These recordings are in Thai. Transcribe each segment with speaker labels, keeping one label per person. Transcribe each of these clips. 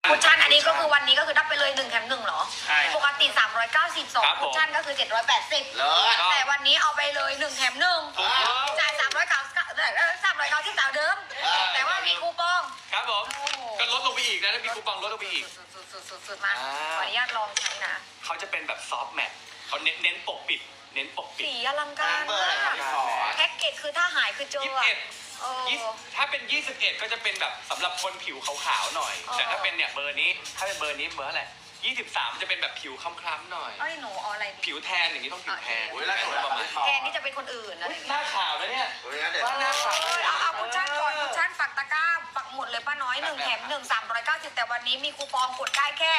Speaker 1: คุชชั่นอันนี้ก็คือวันนี้ก็คือได้ไปเลย1 แถม 1เหรอ
Speaker 2: ใช่
Speaker 1: ปกติ392คุชชั่นก็คือ780แต่วันนี้เอาไปเลย1 แถม 1จ่าย390เดิมแต่ว่ามีคูปอง
Speaker 2: ครับผมก็ลดลงไปอีกนะถ้ามีคูปองลดลงไปอีก
Speaker 1: สุดมาขออนุญาตลองใช้นะ
Speaker 2: เขาจะเป็นแบบซอฟต์แมทเขาเน้นปกปิด เน้นปกปิด
Speaker 1: สีอลังการมากแพ็กเกจคือถ้าหายคือเจอ
Speaker 2: ถ้าเป็น21ก็จะเป็นแบบสำหรับคนผิวขาวๆหน่อย แต่ถ้าเป็นเนี่ยเบอร์นี้ถ้าเป็นเบอร์นี้เบอร์อะไร23จะเป็นแบบผิวคล้ำๆหน่อย
Speaker 1: หนูเอาอะไรดี
Speaker 2: ผิวแทนอย่างนี้ต้องผิวแทน
Speaker 1: ประมาณแทนนี่จะเป็นคนอื่นนะ
Speaker 2: หน้าขาวแล้วเนี่ย
Speaker 1: ว่าหน้าขาวเอาคุชชั่นก่อนคุชชั่นปักตะกร้าปักหมดเลยป้าน้อย1 แถม 1 390แต่วันนี้มีคูปองกดได้แค่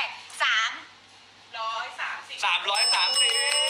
Speaker 2: 330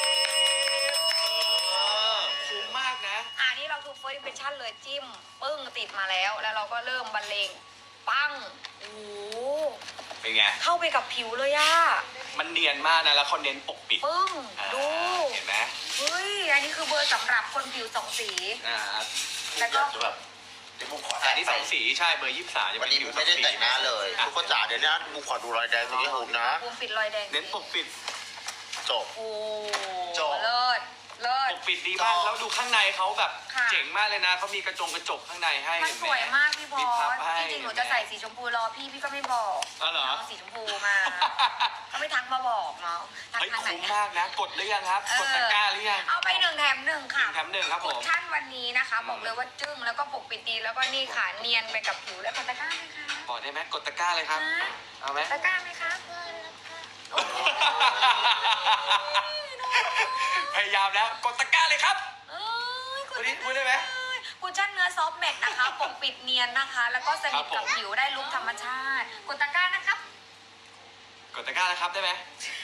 Speaker 2: คุ้มมากนะ
Speaker 1: อันนี้เราคือเฟิร์สอิมเพรสชั่นเลยจิ้มปึ้งติดมาแล้วเราก็เริ่มบรรเลงปั้งโอ้
Speaker 2: เป็นไง
Speaker 1: เข้าไปกับผิวเลยอะ
Speaker 2: มันเนียนมากนะแล้วเขาเน้นปกปิด
Speaker 1: ปึ้งดู
Speaker 2: เห็นไหม
Speaker 1: เฮ้ยอันนี้คือเบอร์สำหรับคนผิว2 สีแล้วก็
Speaker 2: อันนี้2 สีใช่เบอร์23
Speaker 3: วันนี้ไม่ได้แต่งหน้าเลยทุกคนจ๋าเดี๋ยวนี้บุขอดูรอยแดงตรงนี้ผมนะ
Speaker 1: บุมปิดรอยแดง
Speaker 2: เน้นปกปิด
Speaker 3: จบ
Speaker 1: โอ้เลิศ
Speaker 2: ปกปิดดีมากแล้วดูข้างในเขาแบบเจ๋งมากเลยนะเขามีกระจกข้างในให้
Speaker 1: มันสวยมากพี่บอสจริงๆหนูจะใส่สีชมพูรอพี่ก็ไม่บอกเอาสีชมพูมาเขาไม่ทักมาบอกเนาะทักทางไหน
Speaker 2: คุ้มมากนะกดหรือยังครับกดตะกร้าหรือยัง
Speaker 1: เอาไป1 แถม 1ค่ะ
Speaker 2: 1 แถม 1ครับผม
Speaker 1: คุชชั่นวันนี้นะคะบอกเลยว่าจึ้งแล้วก็ปกปิดดีแล้วก็นี่ค่ะเนียนไปกับผิวแล้วกดตะกร้าไหมคะ
Speaker 2: บอกได้ไหมกดตะกร้าเลยครับเอาไหม
Speaker 1: ตะกร้าไหมคะ
Speaker 2: พยายามแล้วกดตะกร้าเลยครับพูดได้ไหม
Speaker 1: คุชชั่นเนื้อซอฟต์แมทนะคะปกปิดเนียนนะคะ แล้วก็สนิทกับผิวได้ลุคธรรมชาติกดตะกร้านะครับ
Speaker 2: กดตะกร้านะครับได้ไหม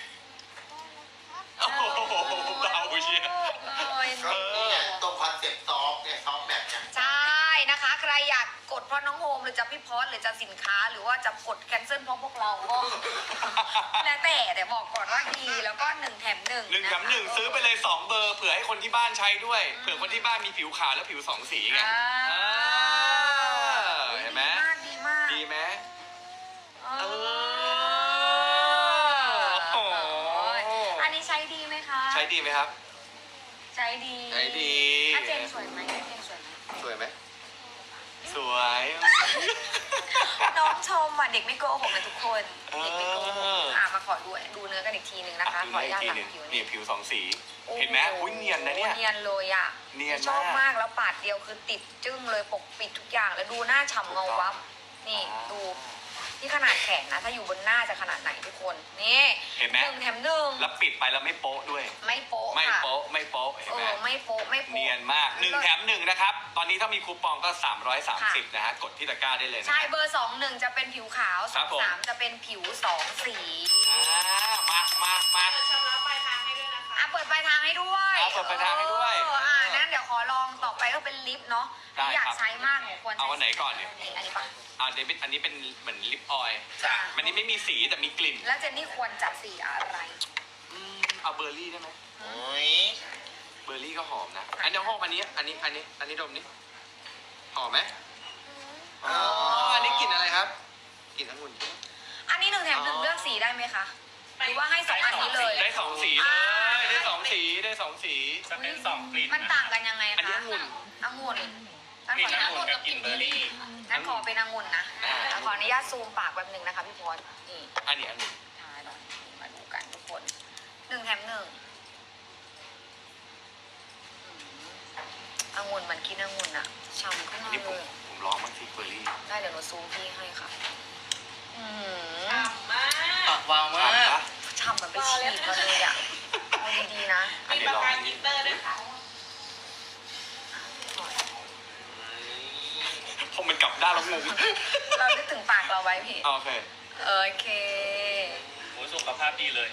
Speaker 2: โอ้โหเบาเชีย
Speaker 3: ตรงคอนเซ็ปต์ซอฟเนี่ยซอฟแบบเนี่ย
Speaker 1: ใช่นะคะใครอยากกดเพราะน้องโฮมหรือจะพี่พอสหรือจะสินค้าหรือว่าจะกดแคนเซิลเพราะพวกเราก็แล้วแต่บอกก่อนว่าดีแล้วก็1 แถม 1
Speaker 2: 1 แถม 1ซื้อไปเลย2 เบอร์เผื่อให้คนที่บ้านใช้ด้วยเผื่อคนที่บ้านมีผิวขาวและผิว2 สีไงเห็นไหม
Speaker 1: ดีมาก
Speaker 2: ดีไหม
Speaker 1: อันนี้ใช้ดีไหมคะ
Speaker 2: ใช้ดีไหมครับ
Speaker 1: ใช้ดีอาเจนสวยไหม
Speaker 2: สวยไหมสวย
Speaker 1: น้องชมอ่ะเด็กไม่โกหกนะทุกคนเด็กไม่โกหกมาขอดูเนื้อกันอีกทีหนึ่งนะคะขออนุญาตหลังผิว
Speaker 2: นี่ผิว2 สีเห็นไหมอุ้ยเนียนนะเนี่ย
Speaker 1: เนียนเลยอ่ะชอบมากแล้วปาดเดียวคือติดจึ้งเลยปกปิดทุกอย่างแล้วดูหน้าฉ่ำเงาวับนี่ดูที่ขนาดแขนนะถ้าอยู่บนหน้าจะขนาดไหนทุกคนนี่
Speaker 2: เห็นไหม
Speaker 1: 1 แถม 1
Speaker 2: แล้วปิดไปแล้วไม่โป๊ะด้วย
Speaker 1: ไม่โป๊ะ
Speaker 2: ไม่โป๊ะเห็นไหม
Speaker 1: ไม่โป๊ะ
Speaker 2: เนียนมาก1 แถม 1นะครับตอนนี้ถ้ามีคูปองก็330นะฮะกดที่ตะกร้าได้เลย
Speaker 1: ใช่เบอร์21จะเป็นผิวขาว3จะเป็นผิว2 สี
Speaker 2: มา
Speaker 1: ชำระปลายทางให้ด้วยนะคะเปิดปลายทางให้ด้วย
Speaker 2: เปิดปลายทางให้ด้วย
Speaker 1: นั้นเดี๋ยวขอลองต่อไปก็เป็นลิปเนาะอยากใช้มากควร
Speaker 2: เอาวันไหนก่อนเนี่ย
Speaker 1: อันนี้ปะ
Speaker 2: อันนี้เป็นเหมือนลิปออยล์มันนี้ไม่มีสีแต่มีกลิ่น
Speaker 1: แล้วเจนนี่ควรจับสีอะไร
Speaker 2: เอาเบอร์รี่ได้ไหมเบอร์รี่ก็หอมนะอันนี้ห้องอันนี้ดมนี่หอมไหมอันนี้กลิ่นอะไรครับกลิ่นองุ่น
Speaker 1: อันนี้1 แถม 1เลือกสีได้ไหมคะหรือว่าให้2 อันนี้เลย
Speaker 2: ได้2 สีเลยได้2 สี
Speaker 4: จะเป็น2 กลิ่น
Speaker 1: มันต่างกันยังไงคะ
Speaker 2: อันนี้องุ่น
Speaker 1: งั้นขอเป็นองุ่นกับกลิ่นเบอร์รี่งั้นขอเป็นองุ่นนะขออนุญาตซูมปากแบบ1นะคะพี่พรนี่
Speaker 2: อันนี้องุ่น
Speaker 1: ใช่มาดูกันทุกคน1 แถม 1องุ่นมันกินองุ่นอะฉ่ำขึ้นมาเลย
Speaker 2: ผมลองบ้างสิเบอร์รี่
Speaker 1: ได้เดี๋ยวหนูซูมพี่ให้ค่ะ
Speaker 4: ฉ่ำมาก
Speaker 2: ปากวาวมาก
Speaker 1: ฉ่ำเหมือนไปฉีดมาเลยอะเอาดีๆนะ
Speaker 4: มีประกันกินเตอร์ด้วยค่ะ
Speaker 2: พอมันกลับด้านแล้วงง
Speaker 1: เรานึกถึงปากเราไว้พี่
Speaker 2: โอเค
Speaker 4: โอ้สุขภาพดีเลย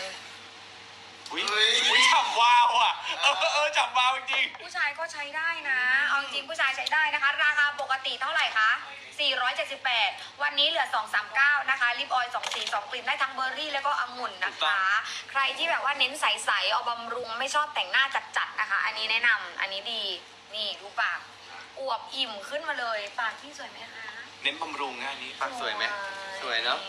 Speaker 2: อุ้ยฉ่ำวาวอ่ะฉ่ำวาวจริง
Speaker 1: ผู้ชายก็ใช้ได้นะเอาจริงผู้ชายใช้ได้นะคะราคาปกติเท่าไหร่คะ478วันนี้เหลือ239นะคะลิปออยล์2 สี2 กลิ่นได้ทั้งเบอร์รี่แล้วก็องุ่นนะคะใครที่แบบว่าเน้นใสๆเอาบำรุงไม่ชอบแต่งหน้าจัดๆนะคะอันนี้แนะนำอันนี้ดีนี่ดูปากอวบอิ่มขึ้นมาเลยปากที่สวยไหมคะ
Speaker 2: เน้นบำรุงนะอันนี้ปากสวยไหมสวยเนาะ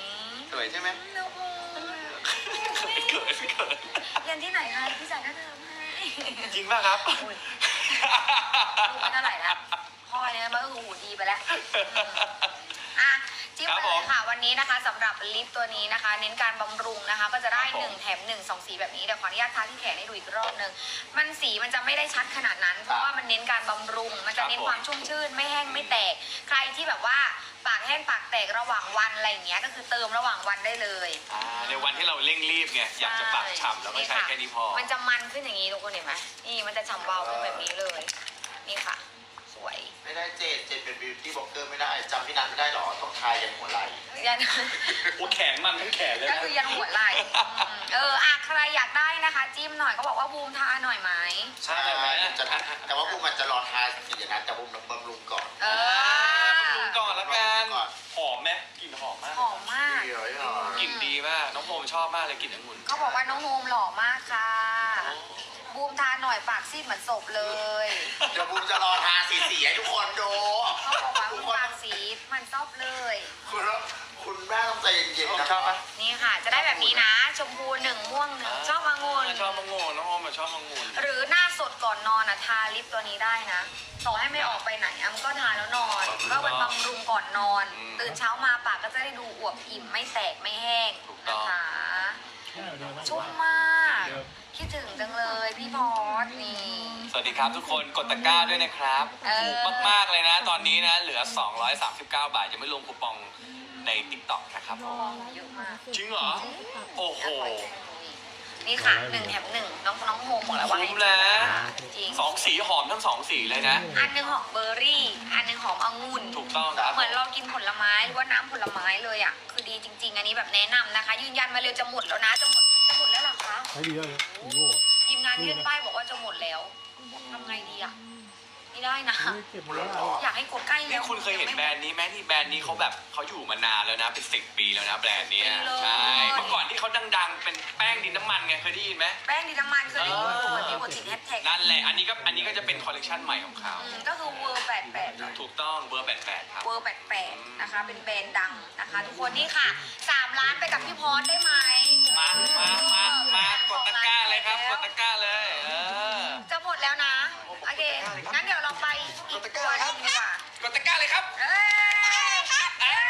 Speaker 2: สวยใช่ไหม
Speaker 1: น้องโอม
Speaker 2: เขินเขิน
Speaker 1: เรียนที่ไหนคะพี่จ่ายค่าเทอมให้
Speaker 2: จริงป่ะครับ
Speaker 1: อุ๊ย ลูกไม่เท่าไหร่ละพ่อเนี่ยมันก็คือหูดีไปแล้วอ่ะจิ้ม
Speaker 2: ครับ
Speaker 1: ไป
Speaker 2: ผ
Speaker 1: เล
Speaker 2: ม
Speaker 1: ยค่ะวันนี้นะคะสำหรับลิปตัวนี้นะคะ เน้นการบำรุงนะคะ ก็จะได้
Speaker 2: ครับผม
Speaker 1: 1 แถม 1 2 สีแบบนี้เดี๋ยวขออนุญาตทาที่แขนให้ดูอีกรอบนึงมันสีมันจะไม่ได้ชัดขนาดนั้น เพราะว่ามันเน้นการบำรุง มันจะเน้นความชุ่มชื่นไม่แห้งไม่แตก ใครที่แบบว่าปากแห้งปากแตกระหว่างวันอะไรอย่างเงี้ยก็คือเติมระหว่างวันได้เลย
Speaker 2: ในวันที่เราเร่งรีบไงอยากจะปากฉ่ำแล้วก็ใช้แค่นี้พอ
Speaker 1: มันจะมันขึ้นอย่างนี้ทุกคนเห็นไหมนี่มันจะฉ่ำเบาขึ้นแบบนี้เลย นี่ค่ะ สวย
Speaker 3: ไม่ได้เจนเป็นบิวตี้บล็อกเกอร์ไม่ได้จำพี่นัทไม่ได้หรอต้องทายยันหัวไหล่
Speaker 1: ยัน
Speaker 2: โอ้แขนมันทั้งแขนเลย
Speaker 1: ก็
Speaker 2: นะ
Speaker 1: คือยันหัวไหล่อ่ะใครอยากได้นะคะ จิ้มหน่อยก็บอกว่าบูมทาหน่อยไหม
Speaker 2: ใช่ไหม
Speaker 3: จะแต่ว่าพวกมันจะรอทายสีอย่างนั้นแต่พวกมันบำรุงก่อน
Speaker 1: เออ
Speaker 2: บำรุงก่อนแล้วกัน
Speaker 3: ก่อน
Speaker 2: หอมไหมกลิ่นหอมมาก
Speaker 1: หอมมาก
Speaker 3: เดี๋ยวให้หน่อย
Speaker 2: กลิ่นดีมากน้องโมชอบมากเลยกลิ่นองุ่น
Speaker 1: เขาบอกว่าน้องโฮมหล่อมากค่ะ บูมทาหน่อยปากซีดเหมือนศพเลย
Speaker 3: เดี๋ยวบูมจะรอทาสีให้ทุกคนดู
Speaker 1: เขาบอกว่าบูมปากซีดเหมันซอบเลย
Speaker 3: คุณแม่ต้องใจเย็นๆนะ
Speaker 2: ชอบปะ
Speaker 1: นี่ค่ะ จะได้แบบนี้นะ ชมพู1ม่วง1ชอบองุ่น
Speaker 2: ชอบมังงนน้องโอมชอบมังงุ่น
Speaker 1: หรือหน้าสดก่อนนอนทาลิปตัวนี้ได้นะ ต่อให้ไม่ออกไปไหนมันก็ทาแล้วนอน ก็เป็นบำรุงก่อนนอน ตื่นเช้ามาปากก็จะได้ดูอวบอิ่มไม่แตกไม่แห้งนะคะ ชุ่มมาก คิดถึงจังเลยพี่พอสนี่
Speaker 2: สวัสดีครับทุกคนกดตะกร้าด้วยนะครับ
Speaker 1: เออ
Speaker 2: ถูกมากๆเลยนะ ตอนนี้นะเหลือ 239 บาทยังไม่รวมคูปองใน TikTok นะครับผม
Speaker 1: เยอะมาก
Speaker 2: จริงเหรอ โอ้โห
Speaker 1: นี่ค่ะ1 แถม 1น้องโฮมบอกแล้วว่าให้
Speaker 2: คุ้มนะ
Speaker 1: จริง
Speaker 2: สองสีหอมทั้งสองสีเลยนะ
Speaker 1: อันหนึ่งหอมเบอร์รี่ อันหนึ่งหอมองุ่น
Speaker 2: ถูกต้องครับ
Speaker 1: เหมือนเรากินผลไม้หรือว่าน้ำผลไม้เลยอ่ะ คือดีจริง ๆ อันนี้แบบแนะนำนะคะ ยืนยันมาเร็วจะหมดแล้วนะ จะหมดแล้วเหรอคะ
Speaker 5: ใช้ดีเลยโอ้โห
Speaker 1: ทีมงานยื่นป้ายบอกว่าจะหมดแล้วทำไงดีอ่ะไม่ได้นะ
Speaker 5: ไม่เก็บหมดแล้ว
Speaker 1: อยากให้กดใกล้
Speaker 2: นี่
Speaker 1: แล้ว
Speaker 2: คุณเคยเห็นแบรนด์นี้ไหมที่แบรนด์นี้เขาแบบเขาอยู่มานานแล้วนะเป็น10 ปีแล้วนะแบรนด์เนี้ยใช่เมื่อก่อนที่เขาดังๆ เป็นแป้งดินน้ำมันไงเคยได้ยินไหม
Speaker 1: แป้งดินน้ำมันเคยได้ยินเหมือนมีบทติดแฮชแท็ก
Speaker 2: นั่นแหละอันนี้ก็จะเป็นคอลเลกชันใหม่ของเขา
Speaker 1: ก็คือเวอร์88
Speaker 2: ถูกต้องเบอร์88ครับ
Speaker 1: เวอร์88นะคะ เป็นแบรนด์ดังนะคะ ทุกคนนี่ค่ะ3 ล้านไปกับพี่พอสได้ไหม
Speaker 2: มากดตะกร้าเลยครับกดตะกร้าเลย
Speaker 1: จะหมดแล้วนะ โอเค งั้นเดี๋ยวเราไปอีกตัวหนึงดีกว่า
Speaker 2: กดตะกร้าเลยครับ
Speaker 1: เอ้ย
Speaker 2: เอ้ย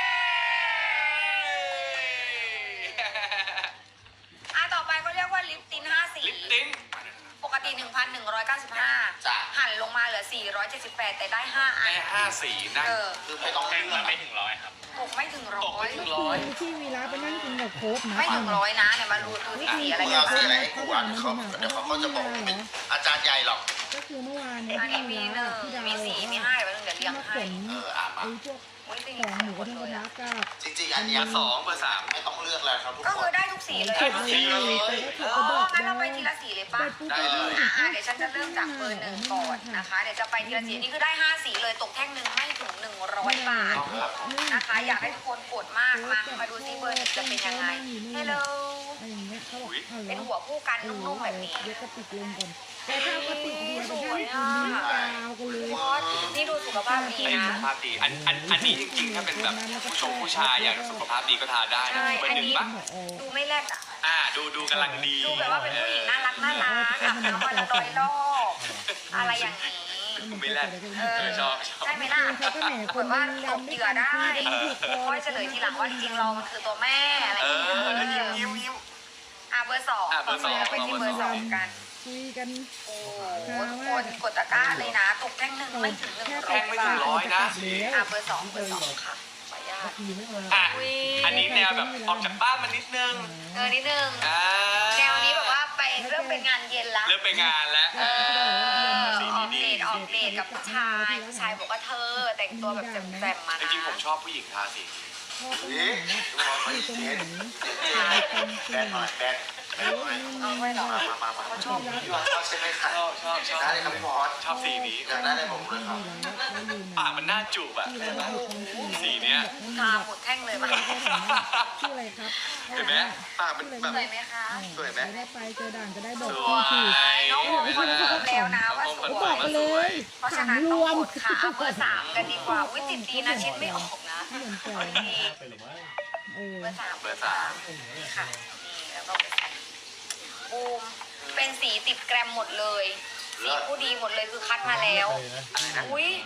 Speaker 1: ต่อไปเขาเรียกว่าลิปติน5สี
Speaker 2: ลิปติ้น
Speaker 1: ปกติ 1,195 หันลงมาเหลือ 478 แต่ได้ 5 อัน
Speaker 2: ได้5 สีนะ
Speaker 3: คือไม่ต้อง
Speaker 4: แท่
Speaker 3: เลื
Speaker 4: ง
Speaker 3: อก
Speaker 4: ละไม่ถึง100ครับ
Speaker 1: ตกไม่ถึง
Speaker 2: ตกไม่ถึง
Speaker 1: ร้อย
Speaker 2: 100
Speaker 5: ที่วีระไปนั่งกินกับโค้กนะ
Speaker 1: ไม่ถึง100นะเนี่ยมาดูที่สีอะไร
Speaker 3: มึง
Speaker 1: กัน
Speaker 3: เอาสี
Speaker 1: บ้าง
Speaker 3: อะไรให้กูอ่ะเดี๋ยวเขาก็จะบอกว่าเป็นอาจารย์ใหญ่หรอก
Speaker 5: ก็คือเมื่อวานเนี่ย
Speaker 1: อันนี้มี
Speaker 5: ที่
Speaker 1: 1
Speaker 5: พี่ดาว
Speaker 1: มี4 มี 5 เดี๋ยวเรียง
Speaker 5: มา
Speaker 1: ให้
Speaker 5: ขน
Speaker 3: มา
Speaker 5: ไอ้พวก
Speaker 1: อุ้ยตี
Speaker 5: ของหมู
Speaker 1: หม
Speaker 5: กระ
Speaker 1: ด
Speaker 5: ทะ
Speaker 1: เลย
Speaker 5: กระ
Speaker 1: อะ
Speaker 5: ทะกับ
Speaker 3: จริงๆอันเนี้ย
Speaker 2: เบอร์2เบอร์3
Speaker 3: ไม่ต้องเลือกแล้วครับทุก
Speaker 1: ก็
Speaker 3: ค
Speaker 1: คือน ได้ทุกสีเลย
Speaker 2: ได้ทุกสีเลย
Speaker 1: อ๋องั้นเราไปทีละสีเลยปะ
Speaker 2: ได้เลย
Speaker 1: เดี๋ยวฉันจะเริ่มจากเบอร์1ก่อนนะคะ เดี๋ยวจะไปทีละสีนี่คือได้5สีเลยตกแท่งหนึ่งไม่ถึง100 บาทนะคะ อยากให้ทุกคนกดมากมาดูซิเบอร์1จะเป็นยังไง Hello
Speaker 5: อะไรอย่างเงี้ยเขาบอกเอา
Speaker 1: เป็น
Speaker 5: เหร
Speaker 1: หั
Speaker 5: อ
Speaker 1: วคู่กันนุ่มๆแบบนี้
Speaker 5: เดี๋ยวกระติกลงก่อนแต่ถ้ากระติกเดียวจะให้คุณนี่ยาวกันเลย
Speaker 1: พอสนี่ดูสุขภาพดี
Speaker 2: ไอ้
Speaker 1: นะ
Speaker 2: สุขภาพดีอันนี้จริงๆถ้าเป็นแบบผู้ชายอยากสุขภาพดีก็ทานได้นะ
Speaker 1: ใช่
Speaker 2: เบอร์หนึ่งปะ
Speaker 1: ดูไม่แรดอ่ะ
Speaker 2: ดูกำลังดี
Speaker 1: ดูแบบว่าเป็นผู้หญิงน่ารักอาบน้ำวันละ100 รอบอะไรอย่างนี้
Speaker 2: ไม่แรดชอบ
Speaker 1: ใช่ไหมล่ะ
Speaker 5: เขาก็แหมคน
Speaker 1: ว่าต
Speaker 5: ดำ
Speaker 1: ก
Speaker 5: ไม่
Speaker 1: เหยื่อได้
Speaker 5: ถูกคอ
Speaker 1: ค่อยเฉลยทีหลังว่าจริงๆเรามันคือตัวแม่อะไรอ
Speaker 2: เอย่าง
Speaker 1: เงี้
Speaker 2: อแล้ว
Speaker 1: ย
Speaker 2: ยิ้ม
Speaker 1: เบอร์ 2
Speaker 2: เบอร์สอง
Speaker 1: ไปที่เบอร์ 2 กัน
Speaker 5: คุยกัน
Speaker 1: โอ้โหทุกคนกดตะกร้าเลยนะ ตกแท่งหนึ่งไม่ถึง100
Speaker 2: แท่งไม่ถึง100นะ
Speaker 1: เบอร์ 2 ค่ะขออนุญาต
Speaker 5: ขี่ไม่มา
Speaker 2: อันนี้แนวแบบออกจากบ้านมานิดนึง
Speaker 1: นิดนึงแนวนี้แบบว่าไปเริ่มเป็นงานเย็นละ
Speaker 2: เริ่มไปงานแล้ว
Speaker 1: ออกเดทกับผู้ชายบอกว่าเธอแต่งตัวแบบแจ่มๆมา
Speaker 2: จ
Speaker 1: นะ
Speaker 2: ริงๆผมชอบผู้หญิงทาสี
Speaker 5: พ่อก็
Speaker 3: นี่
Speaker 5: เห็นนะ
Speaker 3: ดูว่าเขา
Speaker 5: อยู่ตรง
Speaker 3: เจ๊
Speaker 5: ไหน
Speaker 3: แบนหน่อยแบนหน่อย
Speaker 1: เอาไว้เหรอ
Speaker 3: มาเขาชอบพี่ว่าชอบใช่ไหมคะ
Speaker 2: ชอบ
Speaker 3: ได้เลยครับพี่พอส
Speaker 2: ชอบสีนี้
Speaker 3: อยากได้เลยผมเลยครับ
Speaker 2: ปากมันน่าจูบอะสีเนี้ย
Speaker 1: ทาหมดแท่งเลยมา
Speaker 5: ชื่ออะไรครับ
Speaker 2: เห็นไหมปากมันแบบ
Speaker 1: สวยไหมคะ
Speaker 2: สวยไหม
Speaker 5: ได้ไปเจอด่านก็ได้บอก
Speaker 2: ส
Speaker 5: ที่
Speaker 2: วย
Speaker 5: ถูก
Speaker 1: น้องโมคอนเฟิร์มแล้วนะว่าส
Speaker 2: น้องโม
Speaker 1: ว
Speaker 5: บอก
Speaker 1: ย
Speaker 5: ไปเลย
Speaker 1: เพราะฉะนั้นต้องกดค่ะเบอร์ 3 กันดีกว่าวิจิตดีนะเช็ดไม่ออกนะ
Speaker 5: เหมือนแก่
Speaker 1: ดีเบอร์สาม
Speaker 2: เบอร์สาม
Speaker 1: ค่ะนี่แล้วก็เบอร์สี่บูมเป็นสีติดแกรมหมดเลยสีผู้ดีหมดเลยคือคัดมาแล้วอุ้ย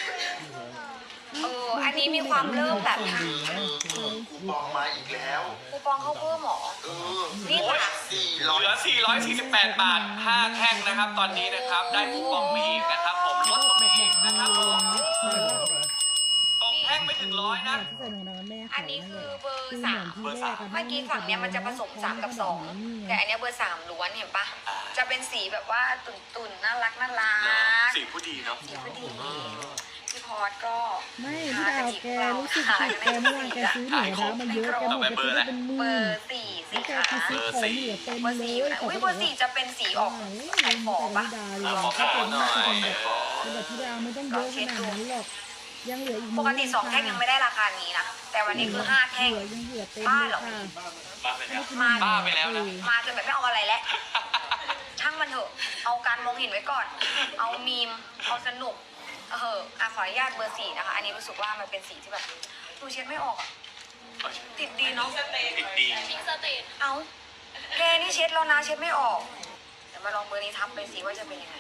Speaker 1: อันนี้มีความเริ่มแบบ
Speaker 3: คูปองมาอีกแล้ว
Speaker 1: คูปองเข้าเพิ่มหรอ นี่
Speaker 2: โอ้ย
Speaker 1: ค่ะ
Speaker 2: เหลือ 448 บาท 5 แท่งนะครับ ตอนนี้นะครับ ได้คูปองไปอีกนะครับ ผมลดไปอีกนะครับผมตกแท่งไม่ถึงร้อยนะ
Speaker 5: ที่ใส่หนูนอนแม่
Speaker 1: อันนี้คือเบอร์สาม
Speaker 2: เบอร์สาม
Speaker 1: เมื่อกี้ฝั่งเนี้ยมันจะผสม3 กับ 2 แต่อันเนี้ยเบอร์ 3 ล้วนเห็นปะจะเป็นสีแบบว่าตุ่นๆน่ารัก
Speaker 2: เนอะสีผู้ดีเนาะ
Speaker 1: สีผู้ดีพี่พอดก็
Speaker 5: ไม่พี่ดาวแกรู้สึกผิดแกเมื่อวานแกซื้อหนูนะมันเยอะแกหมดแกซื้อได้เป็นห
Speaker 1: เบ
Speaker 5: มื่
Speaker 1: อน ร์สี่สี
Speaker 5: แก
Speaker 1: ขา
Speaker 5: ซื้อของเหลือเต็ม
Speaker 1: เบอร์
Speaker 5: เล
Speaker 1: สี่
Speaker 5: ย
Speaker 1: อยู่นะอุ้ยเบอร์สี่จะเป็นสีออกไข่ฟองปะ
Speaker 5: ถ้าเป็นแบบพี่ดาวไม่ต้องเยอะขนาดนั้นหรอกยังเหลืออีก
Speaker 1: ปกติ2 แท่งยังไม่ได้ราคานี้นะแต่วันนี้คือ5 แท่ง
Speaker 5: ยังเหลือเต็ม
Speaker 1: บ้า
Speaker 5: เล
Speaker 1: เหร
Speaker 5: ย
Speaker 1: อ
Speaker 5: ค่ะ
Speaker 4: บ้าไปแล้ว
Speaker 2: บ้าไปแล้วนะ
Speaker 1: มาจนแบบไม่เอาอะไรแล้วช่างมันเถอะเอาการมองเห็นไว้ก่อน เอามีมเอาสนุกขออนุญาตเบอร์สี่นะคะ อันนี้รู้สึกว่ามันเป็นสีที่แบบดูเช็ดไม่ออกอะติดดีเนาะ
Speaker 2: ติดดี
Speaker 1: เอาแกนี่เช็ดแล้วนะเช็ดไม่ออกเดี๋ยวมาลองเบอร์นี้ทับไปสิว่าจะเป็นยังไง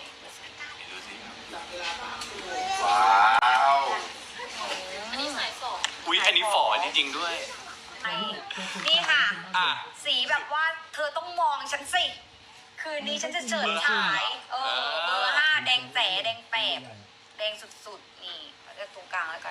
Speaker 3: ว้าว
Speaker 2: อุ๊ย อันนี้ฝ่อจริงๆด้วย
Speaker 1: นี่ค่ะ
Speaker 2: อ่ะ
Speaker 1: สีแบบว่าเธอต้องมองฉันสิ คืนนี้ฉันจะเฉิดฉาย เบอร์ 5 แดงแจ๋แดงแปบแดงสุดๆ นี่เอาเลือกตรงกลางแล้วกัน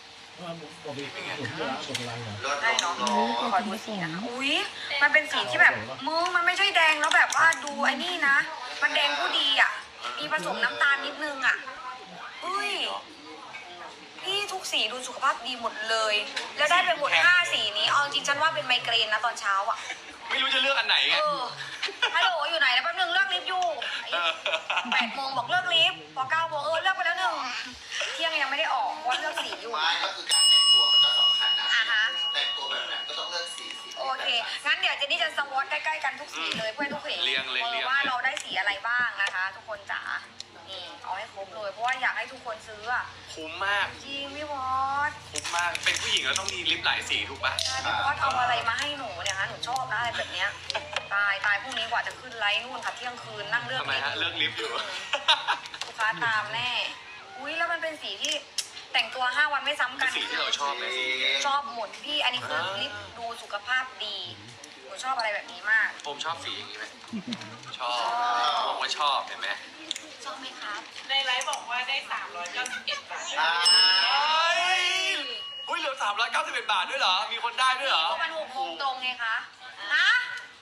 Speaker 3: รถ
Speaker 1: ได้เนาะ
Speaker 3: ร้อน
Speaker 1: ขอดูสีนะคะอุ๊ย มันเป็นสีที่แบบมึงมันไม่ใช่แดงแล้วแบบว่าดูไอ้นี่นะ มันแดงผู้ดีอ่ะ มีผสมน้ำตาลนิดนึงอ่ะอุ้ยพี่ทุกสีดูสุขภาพดีหมดเลย แล้วได้ไปหมด5 สีนี้ เอาจริงฉันว่าเป็นไมเกรนนะตอนเช้าอ่ะ
Speaker 2: ไม่รู้จะเลือกอันไหนไง
Speaker 1: ฮัลโหลอยู่ไหนนะแป๊บนึงเลือกลิฟต์อยู่8 โมงบอกเลือกลิฟต์พอ9 โมงเลือกไปแล้ว1 เที่ยงยังไม่ได้ออกเพราะว่าเลือกสีอยู่
Speaker 3: ไม้ก็คือการแต่งตัวมันก็สำคัญนะ
Speaker 1: อ่าฮะ
Speaker 3: แต่งตัวแบบไหนก็ต้องเลือกสี
Speaker 1: โอเค งั้นเดี๋ยวเจนนี่จะสวอตใกล้ๆกันทุกสีเลยเพื่อให้ทุกคน
Speaker 2: เรียงเลยเรียง
Speaker 1: ว่าเราได้สีอะไรบ้างนะคะ ทุกคนจ๋า นี่เอาให้ครบเลย เพราะว่าอยากให้ทุกคนซื้ออะ
Speaker 2: คุ้มมาก
Speaker 1: จริงพี่พอด
Speaker 2: คุ้มมาก เป็นผู้หญิงแล้วต้องมีลิปหลายสีถูกปะ
Speaker 1: พี่พอดเอาอะไรมาให้หนูเนี่ยคะหนูชอบนะอะไรแบบเนี้ยตายพรุ่งนี้กว่าจะขึ้นไลฟ์นู่นค่ะเที่ยงคืนนั่งเลือก
Speaker 2: ทำไมฮะ เลือกลิปอยู่
Speaker 1: ลูกค้าตามแน่ อุ้ยแล้วมันเป็นสีที่แต่งตัว 5 วันไม่ซ้ำกัน
Speaker 2: สีที่เราชอบเลยสี
Speaker 1: ชอบหมดพี่อันนี้คือลิปดูสุขภาพดีหนูชอบอะไรแบบนี้มาก
Speaker 2: ผมชอบสีอย่างนี้ไหมชอบผมว่าชอบ เห็นไหม
Speaker 1: ชอบไหมครับ
Speaker 4: ในไลฟ์บอกว่าได้ 391 บาท
Speaker 3: อ่า
Speaker 2: เฮ้ยอุ้ยเหลือ391 บาทด้วยเหรอ มีคนได้ด้วยเหรอ
Speaker 1: ก็มัน6 โมงตรงไงคะฮะ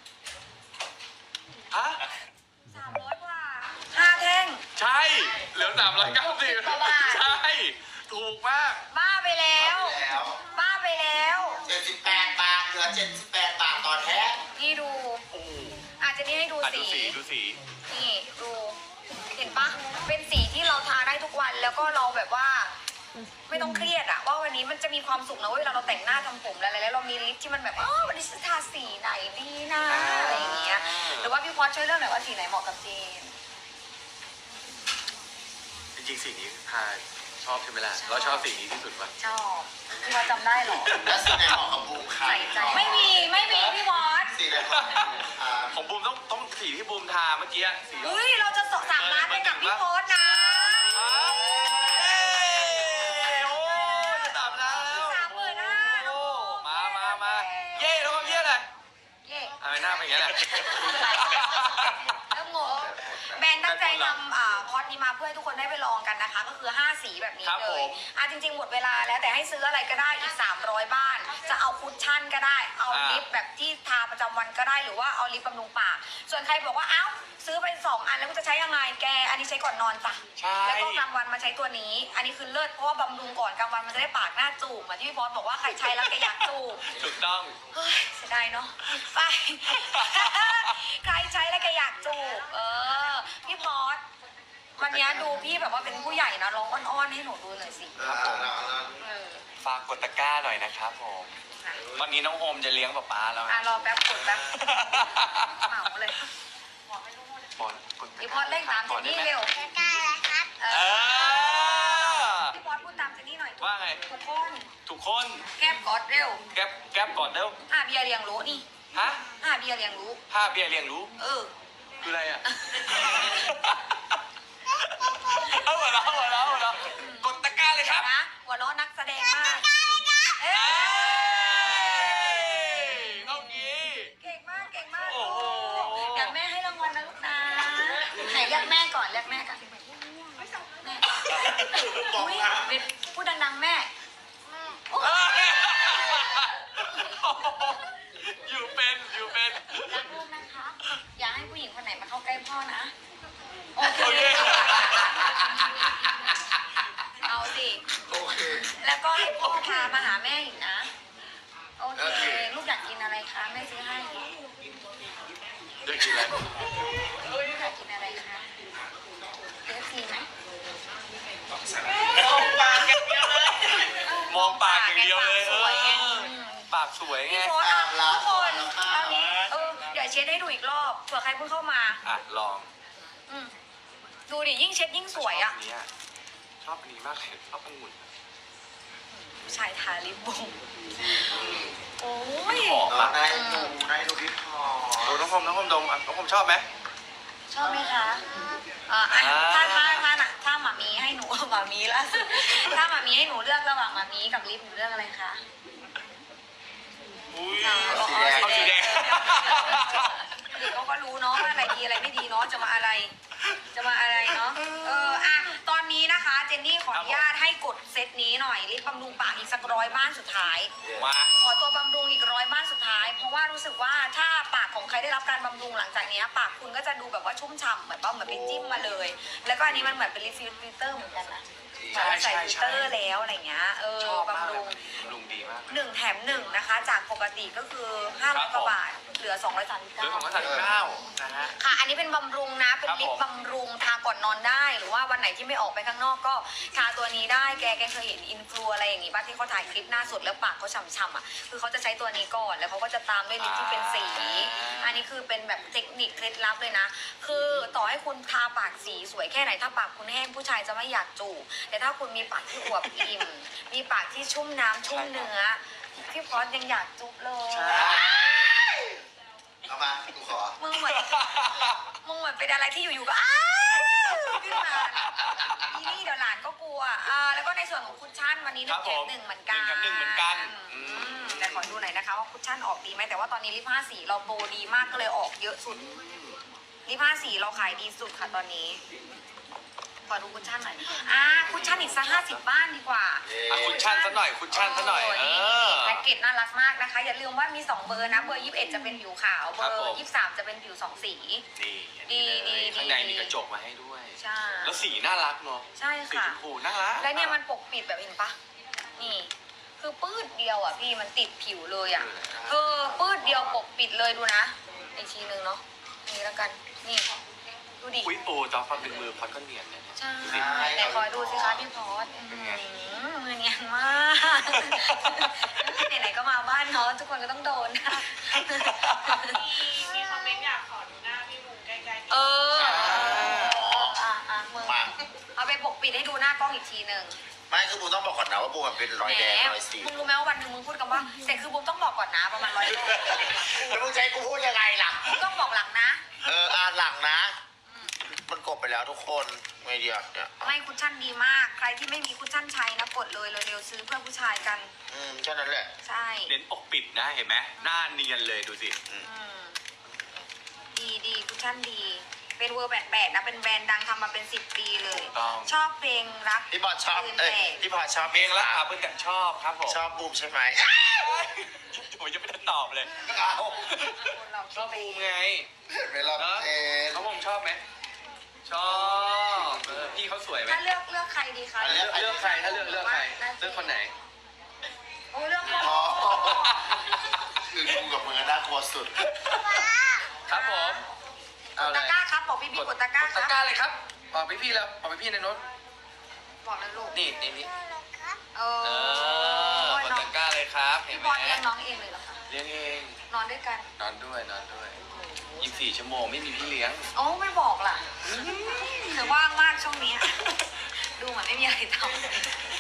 Speaker 2: ฮะ
Speaker 1: 300 กว่า5 แท่ง
Speaker 2: ใช่ เหลือ390
Speaker 1: กว่าบาท
Speaker 2: ใช่ ถูกมาก
Speaker 1: บ้าไปแล้ว
Speaker 3: แล้ว
Speaker 1: บ้าไปแล้ว
Speaker 3: 78 บาทเหลือ 78 บาทต่อแท่ง
Speaker 1: นี่ดู
Speaker 2: โอ้
Speaker 1: อาจจะนี่ให้ดู
Speaker 2: อ่ะ
Speaker 1: สี
Speaker 2: ดูสี
Speaker 1: นี่ดู เห็นปะเป็นสีที่เราทาได้ทุกวันแล้วก็เราแบบว่า ไม่ต้องเครียดอะว่าวันนี้มันจะมีความสุขนะเวลาเราแต่งหน้าทำผมแล้วเรามีลิปที่มันแบบวันนี้จะทาสีไหนดีนะอะไรอย่างเงี้ยหรือว่าพี่พอช่วยเลือกหน่อยว่าสีไหนเหมาะกับเจน
Speaker 2: จริงๆสีนี้พาชอบใช่ไหมล่ะ เราชอบสีนี้ที่สุดป่ะ
Speaker 1: ชอบพี่พอจำได้เหรอ
Speaker 3: แล้วสีไหนเหมาะกับบูมค่ะ
Speaker 1: ใส่ใจไม่มีพี่พอส
Speaker 3: สีไหนเหมาะกับบูมค่ะ
Speaker 2: ของบูมต้องสีที่บูมทาเมื่อกี้สี
Speaker 1: เฮ้ยเราจะส่ง3 ล้านไปกับพี่พอสนะ
Speaker 2: โอ้ย3 ล้านแล้ว
Speaker 1: 35,000
Speaker 2: โอ้มาเย่แล้วก็เย่เลย
Speaker 1: เย่
Speaker 2: อะไรหน้าเป็นอย่างนี้แหละ
Speaker 1: เริ่มงงแบรนด์ตั้งใจนำคอร์สนี้มาเพื่อให้ทุกคนได้ไปลองกันนะคะ ก็คือ5 สีแบบนี้
Speaker 2: ครับ
Speaker 1: เล
Speaker 2: ผ
Speaker 1: ย
Speaker 2: ม
Speaker 1: จริงๆหมดเวลาแล้วแต่ให้ซื้ออะไรก็ได้อีก300 บ้าน จะเอาคุชชั่นก็ได้เอาลิปแบบที่ทาประจำวันก็ได้หรือว่าเอาลิปบำรุงปากส่วนใครบอกว่าเอ้าซื้อไป2 อันแล้วกูจะใช้ยังไงแกอันนี้ใช้ก่อนนอนจ้ะ
Speaker 2: ใช่
Speaker 1: แล้วก็กลางวันมาใช้ตัวนี้ อันนี้คือเลิศเพราะว่าบำรุงก่อนกลางวันมันจะได้ปากหน้าจูบเหมือนที่พี่บอสบอกว่าใครใช้แล้วแกอยากจูบ
Speaker 2: ถูกต้อง
Speaker 1: เฮ้ยเสียดายเนาะไป ใครใช้แล้วแกอยากจูบพี่พอสวันนี้ดูพี่แบบว่าเป็นผู้ใหญ่นะร้องอ้อนๆให้หนูดูหน่อยสิ เออ
Speaker 2: ฝากกดตะกร้าหน่อยนะครับผม วันนี้น้องโฮมจะเลี้ยงป๊าแล้ว
Speaker 1: รอแป๊บกดแป๊บเหมาเลย
Speaker 2: บอลกดตะกร้า
Speaker 1: พี่พอสเร่งตามเจนนี่เร็ว
Speaker 2: เอ
Speaker 1: เออ
Speaker 2: อ
Speaker 1: พี่พอสพูดตามเจนนี่หน่อย
Speaker 2: ว่าไง
Speaker 1: ทุกคน
Speaker 2: ทุกคน
Speaker 1: แก้มกอดเร็ว
Speaker 2: แก๊บก่อนเร็ว
Speaker 1: เบียร์เลี้ยงรู้นี่
Speaker 2: ฮะ
Speaker 1: เบียร์เลี้ยงรู้
Speaker 2: ผ้าเบียร์เรียงรู้
Speaker 1: เออ
Speaker 2: คืออะไรอ่ะ เอาหัวเราะกดตะกร้าเลยครับ
Speaker 1: นะหัวเราะนักแสดงมากเอ้ย
Speaker 2: เอางี้
Speaker 1: เก่งมากเก่งมาก
Speaker 2: โอ้โห
Speaker 1: อยากแม่ให้รางวัลนะลูกนะไหนเรียกแม่ก่อนเรียกแม่ก่อนแม่อุ๊ยพูดดังๆแม่โอ้ย
Speaker 2: อยู่เป็น
Speaker 1: รักลูกนะคะ อย่าให้ผู้หญิงคนไหนมาเข้าใกล้พ่อนะ โอเค
Speaker 2: โอเค
Speaker 1: เอาสิ
Speaker 3: โอเค
Speaker 1: แล้วก็ให้พ่อพามาหาแม่อีกนะ โอเค
Speaker 3: โอเค
Speaker 1: ลูกอยากกินอะไรคะแม่ซื้อให้
Speaker 2: เดี๋ยวกินอะไร
Speaker 1: ลูกอยากกินอะไรคะเลือกทีไหม
Speaker 4: มองปากอย่างเดียวเลย
Speaker 2: มองปากอย่างเดียวเลย
Speaker 1: ปากสวยไง
Speaker 2: ปากสวยไง
Speaker 1: พี่โฟสอ่ะทุกคนเอานี้เดี๋ยวเช็ดให้ดูอีกรอบเผื่อใครเพิ่งเข้ามา
Speaker 2: อ่ะลอง
Speaker 1: อืมดูดิยิ่งเช็ดยิ่งสวยอ่ะ
Speaker 2: ชอบอันนี้มากเลยชอบองุ่น
Speaker 1: ชายทาลิปบุ้งโอ้ย
Speaker 2: หอมมาก
Speaker 3: ได้ดูพี่พอ
Speaker 2: โอ้น้องพรมดมน้องพรมชอบไหม
Speaker 1: ชอบไหมคะถ้าหมามีให้หนู หมามีล่าสุดถ้าหมามีให้หนูเลือกระหว่างหมามีกับลิปหนูเลือกอะไรคะ
Speaker 2: อุ้ย
Speaker 3: สีแดง
Speaker 2: เอาสีแดง
Speaker 1: เด็กเขาก็รู้เนาะว่าอะไรดีอะไรไม่ดีเนาะจะมาอะไรเนาะตอนนี้นะคะเจนนี่ขออนุญาตให้กดเซตนี้หน่อยลิปบำรุงปากอีกสัก100 บ้านสุดท้าย
Speaker 2: มา
Speaker 1: ขอตัวบำรุงอีก100 บ้านสุดท้าย เพราะว่ารู้สึกว่าถ้าปากของใครได้รับการบำรุงหลังจากนี้ปากคุณก็จะดูแบบว่าชุ่มฉ่ำเหมือนไปจิ้มมาเลย แล้วก็อันนี้มันเหมือนเป็นลิปฟิลเตอร์เหมือนกันนะเหมือนเราใส่ฟิลเตอร์แล้วอะไรเงี้ย
Speaker 2: ชอบมาก
Speaker 1: บำ
Speaker 2: เล
Speaker 1: รุ
Speaker 2: ย
Speaker 1: ง
Speaker 2: บำรุงดีมาก
Speaker 1: 1 แถม 1นะคะจากปกติก็คือ500 กว่าบาทเหลือ
Speaker 2: เรื่องของ
Speaker 1: 239
Speaker 2: 139นะฮะ
Speaker 1: ค่ะ อันนี้เป็นบำรุงนะ เป็น
Speaker 2: ครับ
Speaker 1: ลิป
Speaker 2: ผม
Speaker 1: บำรุงทาก่อนนอนได้ หรือว่าวันไหนที่ไม่ออกไปข้างนอกก็ทาตัวนี้ได้ แกเคยเห็นอินฟลูอะไรอย่างงี้ป่ะที่เขาถ่ายคลิปหน้าสดแล้วปากเขาฉ่ำๆอ่ะ คือเขาจะใช้ตัวนี้ก่อน แล้วเขาก็จะตามด้วยลิปที่เป็นสี อันนี้คือเป็นแบบเทคนิคเคล็ดลับเลยนะ คือต่อให้คุณทาปากสีสวยแค่ไหน ถ้าปากคุณแห้งผู้ชายจะไม่อยากจูบแต่ถ้าคุณมีปากที่อวบอิ่ม มีปากที่ชุ่มน้ำชุ่มเนื้อ พี่พอสยังอยากจุ๊บเลย
Speaker 3: เอามากูขอ
Speaker 1: มึงเหมือนเป็นอะไรที่อยู่ๆก็อ้าวขึ้นมาอีนี่เดี๋ยวหลานก็กลัวแล้วก็ในส่วนของคุชชั่นวันนี้1 แถม 1เหมือนกัน
Speaker 2: 1 แถม 1เหมือนกัน
Speaker 1: แต่ขอดูหน่อยนะคะว่าคุชชั่นออกดีไหมแต่ว่าตอนนี้ลิป5 สีเราโปรดีมากก็เลยออกเยอะสุดลิป5 สีเราขายดีสุดค่ะตอนนี้ขอดูคุชชั่นหน่อยคุชชั่นอีกสัก50 บ้านดีกว่า
Speaker 2: อ่ะคุชชั่นซะหน่อยคุชชั่นซะหน่อย
Speaker 1: แพ็กเกจน่ารักมากนะคะ อย่าลืมว่ามี2 เบอร์นะเบอร์21จะเป็นผิวขาวเบอร์23จะเป็นผิว2 สี
Speaker 2: นี่ข้างในมีกระจกมาให้ด้วย
Speaker 1: ใช่
Speaker 2: แล้วสีน่ารักเนาะ
Speaker 1: ใช่
Speaker 2: สี
Speaker 1: ค่ะ
Speaker 2: ชมพูน่ารัก
Speaker 1: แล้วเนี่ยมันปกปิดแบบเห็นปะนี่ คือปื้ดเดียวอ่ะพี่มันติดผิวเลยอ่ะปื้ดเดียวปกปิดเลยดูนะอีกทีนึงเนาะนี่แล้วกันนี่ดูดิ
Speaker 2: อุ้ยโอ้จอฟันเป็นมือพอดก็เนียนเนี่ย
Speaker 1: ใช่ไหนขอดูสิคะพี่พอสมือเนียนมาก ไหนๆก็มาบ้านเนาะทุกคนก็ต้องโดนนะ
Speaker 4: มีคอมเมนต์อยากขอดูหน้าพี่มุงใกล้ๆ
Speaker 1: มึง
Speaker 3: มา
Speaker 1: เอาไปปกปิดให้ดูหน้ากล้องอีกทีหนึ่ง
Speaker 3: ไม่คือบูมต้องบอกก่อนนะว่าบูมมันเป็นรอยแดงรอยสี
Speaker 1: มึงรู้ไหมว่าวันหนึ่งมึงพูดคำว่าแต่คือบูมต้องบอกก่อนนะประมาณ100
Speaker 3: แล้วมึงจะให้กูพูดยังไงล่ะ
Speaker 1: มึงต้องบอกหลังนะ
Speaker 3: หลังนะ มันกดไปแล้วทุกคนไงเดียวเนี่ย
Speaker 1: ไม่คุชชั่นดีมาก ใครที่ไม่มีคุชชั่นใช้นะกดเลยเร็วๆซื้อเพื่อผู้ชายกัน
Speaker 3: แค่นั้นแหละ
Speaker 1: ใช่
Speaker 2: เน้นปกปิดนะเห็นไหมหน้าเนียนเลยดูสิ
Speaker 1: ดีคุชชั่นดี เป็นเวอร์88นะเป็นแบรนด์ดังทำมาเป็น10 ปีเลย
Speaker 2: ต้อง
Speaker 1: ชอบเพลงรัก
Speaker 3: พี่บอลชอบ
Speaker 1: ปืน
Speaker 3: เอ้ย
Speaker 1: แตก
Speaker 3: พี่บอลชอบ
Speaker 2: เพลงละเพื่อนแต่ชอบครับผม
Speaker 3: ชอบบูมใช่ไหม
Speaker 2: ผมยังไม่ได้ตอบเลย
Speaker 3: เอา
Speaker 1: คนเรา
Speaker 2: ชอบบูมไง
Speaker 3: เห็นไหมล่ะเอ็น
Speaker 2: น้องผมชอบไหมชอบพี่เขาสวยไหม
Speaker 1: ถ้าเลือกใครดีคะ
Speaker 2: เลือกใครถ้าเลือกใครเลือกคนไหน
Speaker 1: โอ้เลือกคน
Speaker 3: อ๋อคือกูกับมึงอะน่ากลัวสุด
Speaker 2: ครับผม
Speaker 1: กดตะกร้าครับบอกพี่กดตะกร้าค
Speaker 2: ตะ
Speaker 1: รับ
Speaker 2: กร้าเลยครับบอกพี่แล้วบอกพี่ในรถ
Speaker 1: บอกเลยลูก
Speaker 2: นี่
Speaker 1: เอ
Speaker 2: เอ
Speaker 1: อก
Speaker 2: ดตะกร้าเลยครับเห็น
Speaker 1: พี่
Speaker 2: ไห
Speaker 1: บ
Speaker 2: ม
Speaker 1: อลเลี้ยงน้องเองเลยเหรอคะ
Speaker 2: เลี้ยงเอง
Speaker 1: นอนด้วยกัน
Speaker 2: นอนด้วย24 ชั่วโมงไม่มีพี่เลี้ยง
Speaker 1: โอ้ไม่บอกล่ะเธอว่างมากช่วงนี้ ดูเหมือนไม่มีอะไรทำ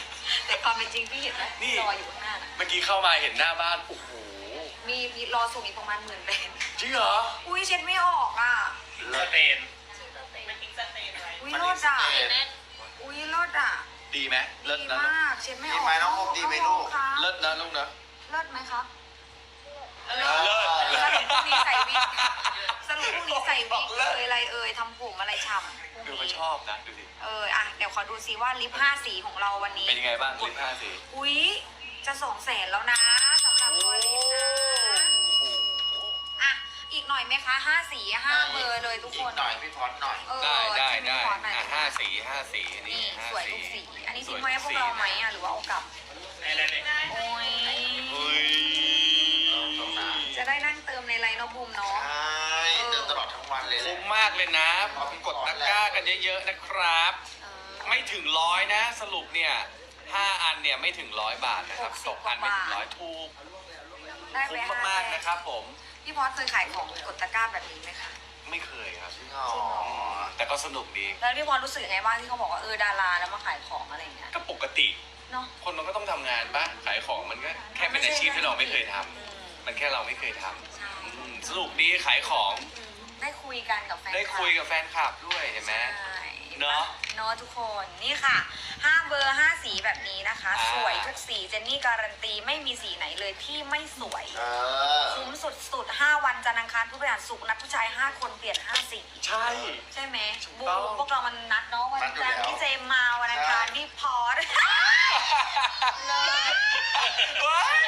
Speaker 1: แต่ความเป็นจริงพี่เห็นไหม
Speaker 2: นี่
Speaker 1: รออยู่ข้างหน้าน่ะ
Speaker 2: เมื่อกี้เข้ามาเห็นหน้าบ้านโอ้โห
Speaker 1: มีรอส่งอีกประมาณ10,000 เป็น
Speaker 2: จริงเหรอ
Speaker 1: อุ้ยเช็ดไม่ออกอ่ะ
Speaker 3: เลิศ
Speaker 4: มันทิ้งสเตนไว้
Speaker 1: อุ้ยรสอ่ะอุ้ยรสอ่ะ
Speaker 2: ดีไหมเลิศ
Speaker 1: ดี
Speaker 2: นะ
Speaker 1: มากเช็ดไม่ออก
Speaker 3: ดีไหมน้องโฮมดีไหมลูก
Speaker 1: ครับ
Speaker 2: เลิศนะลูกนะ
Speaker 1: เลิศไหมครับ
Speaker 2: เลิศ
Speaker 1: สรุปพรุ่งนี้ใส่วิกสรุปพรุ่งนี้ใส่วิกอะไรทำผมอะไรฉ่ำ
Speaker 2: ดูเขาชอบนะดูสิ
Speaker 1: อ่ะเดี๋ยวขอดูซิว่าลิป5 สีของเราวันนี้
Speaker 2: เป็นยังไงบ้างลิป5 สี
Speaker 1: อุ้ยจะ200,000แล้วนะสำหรับตัวลิปนะอ่ะอีกหน่อยไหมคะ5 สี5 เบอร์เลยทุกคน
Speaker 3: อีกหน่อยพี่พอดหน่อย
Speaker 1: เออ
Speaker 2: ได้
Speaker 1: ชิ้นนี้ขอหน่อย
Speaker 2: อ่ะ5 สี5 สีนี่
Speaker 1: นี่
Speaker 2: 5
Speaker 1: สวยทุกสี อันนี้ทิ้งไว้ให้พวกเราไหมอ่ะหรือว่าเอากลับ โอ้ย
Speaker 2: เฮ้ย
Speaker 3: ตรงนั้น
Speaker 1: จะได้นั่งเติมในไลน์เนอะบูมเนาะ
Speaker 3: ใช่เดินตลอดทั้งวันเลยแหละ
Speaker 2: คุ้มมากเลยนะกดตะกร้ากันเยอะๆนะครับ
Speaker 1: เออ
Speaker 2: ไม่ถึง100นะสรุปเนี่ย5 อันเนี่ยไม่ถึง100 บาทนะครับ
Speaker 1: 60
Speaker 2: ตกอันไม่ถึง
Speaker 1: กว่าบาท
Speaker 2: 100ถูก
Speaker 1: ได้ไป
Speaker 2: คุ้มมากๆนะครับผม
Speaker 1: พี่พอสเคยขายของกดตะกร้าแบบนี้ไหมคะ
Speaker 2: ไม่เคยครับ
Speaker 3: จริงเหรอ
Speaker 2: แต่ก็สนุกดี
Speaker 1: แล้วพี่พอสรู้สึกยังไงบ้างที่เขาบอกว่าดาราแล้วมาขายของอะไรอย่างเงี้ย
Speaker 2: ก็ปกติ
Speaker 1: เนาะ
Speaker 2: คนมันก็ต้องทำงานป่ะขายของมันก็แค่เป็นอาชีพที่เราไม่เคยทำมันแค่เราไม่เคยทำ
Speaker 1: ใช่
Speaker 2: สนุกดีขายของ
Speaker 1: ได้คุยกันกับแฟน
Speaker 2: ได้คุยกับแฟนคลับด้วยเห็นไหม
Speaker 1: ใช่
Speaker 2: เนอะ
Speaker 1: เนาะทุกคนนี่ค่ะ5 เบอร์5 สีแบบนี้นะคะ
Speaker 2: อ่า
Speaker 1: สวยทุกสีเจนนี่การันตีไม่มีสีไหนเลยที่ไม่สวย
Speaker 3: เออ
Speaker 1: คุ้มสุดๆ5 วันจันทร์อังคารพุธพฤหัสศุกร์นัดผู้ชาย5 คนเปลี่ยน5 สี
Speaker 2: ใช่
Speaker 1: ใช่ไหม
Speaker 2: ถูก
Speaker 1: บู
Speaker 2: ต้อง
Speaker 1: พวกเรามันนัดเนาะวันจันทร์พี่เจมมาวันอังคารพี่พอส เลย
Speaker 2: เฮ้ย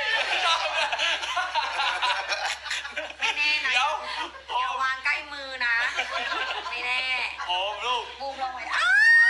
Speaker 1: ไม่แน่นะ
Speaker 2: เดี๋ยวโอ
Speaker 1: อย่าม วางใกล้มือนะ ไม่แน่
Speaker 2: โอมลูก
Speaker 1: บูมลงไปอ้าว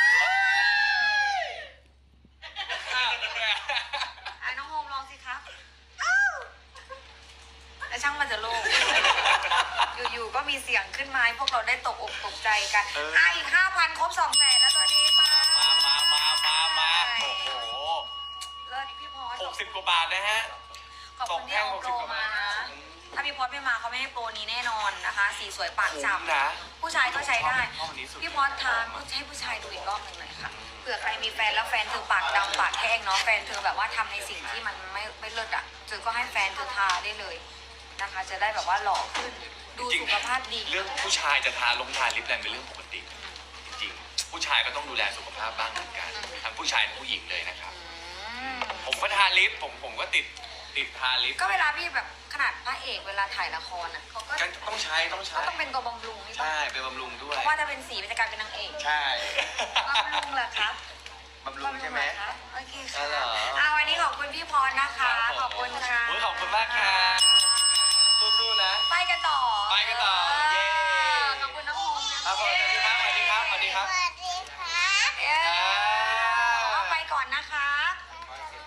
Speaker 1: อ่ะน้องโฮมลองสิครับอ้าวแล้วช่างมันจะโล่งอยู่ๆก็มีเสียงขึ้นมาให้พวกเราได้ตกอกตกใจกัน
Speaker 2: เออ
Speaker 1: อีก 5,000 ครบ200,000แล้วสวัสดีค่ะ
Speaker 2: มาโอ้โห
Speaker 1: เลิศพี่พอส
Speaker 2: 60 กว่าบาทนะฮะ
Speaker 1: ขอบคุณที่เอาโปรมานะ ถ้าพี่พอสไม่มาเขาไม่ให้โปรนี้แน่นอนนะคะ สีสวยปาก
Speaker 2: คุ้
Speaker 1: ฉ่
Speaker 2: มนะ
Speaker 1: ำผู้ชายก็ใช้ได้
Speaker 2: ชอบอันนี้สุด
Speaker 1: พี่พอสทานให้ผู้ชายดูอีกรอบหนึ่งหน่อยค่ะ เผื่อใครมีแฟนแล้วแฟนเธอปากดำปากแห้งเนาะ แฟนเธอแบบว่าทำในสิ่งที่มันไม่เลิศอ่ะเธอก็ให้แฟนเธอทาได้เลยนะคะ จะได้แบบว่าหล่อขึ้น ดู
Speaker 2: จริง
Speaker 1: สุขภาพดี
Speaker 2: เรื่องผู้ชายจะทาลิปแรงเป็นเรื่องปกติ จริงๆผู้ชายก็ต้องดูแลสุขภาพบ้างเหมือนกันทั้งผู้ชายทั้งผู้หญิงเลยนะครับ
Speaker 1: อืม
Speaker 2: ผมก็ทาลิปผมก็ติดทาลิป
Speaker 1: ก็เวลาพี่แบบขนาดพระเอกเวลาถ่ายละครอ่ะเขาก็
Speaker 2: ก็ต้องใช้
Speaker 1: ก็ต้องเป็นตัวบำรุงนี่ปะ
Speaker 2: ใช่เป็นบำรุงด้วย
Speaker 1: เพราะว่าถ้าเป็นสีมันจะกลายเป็นนางเอก
Speaker 3: ใช่
Speaker 1: บำรุงเหรอครับ
Speaker 3: บำรุงใช่ไหม
Speaker 1: โอเค
Speaker 3: อ๋
Speaker 1: ค่ะ
Speaker 3: อเหรอ
Speaker 1: วันนี้ขอบคุณพี่พรนะคะ ขอบคุณค่ะ
Speaker 2: โอ้ยขอบคุณมากค่ะสู้ๆนะ
Speaker 1: ไปกันต่อ
Speaker 2: ไปกันต่อเย้
Speaker 1: ขอบคุณน้องโฮมนะ
Speaker 2: ครับผมสวัสดีครับสวัสดีครับสวัสดีครับ
Speaker 1: เย้เอาไปก่อนนะคะ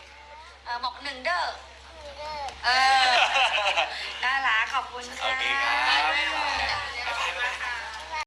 Speaker 1: บอก1 เด้อน่ารักขอบคุณ
Speaker 2: โอ
Speaker 1: ค่ะ
Speaker 2: เคครับ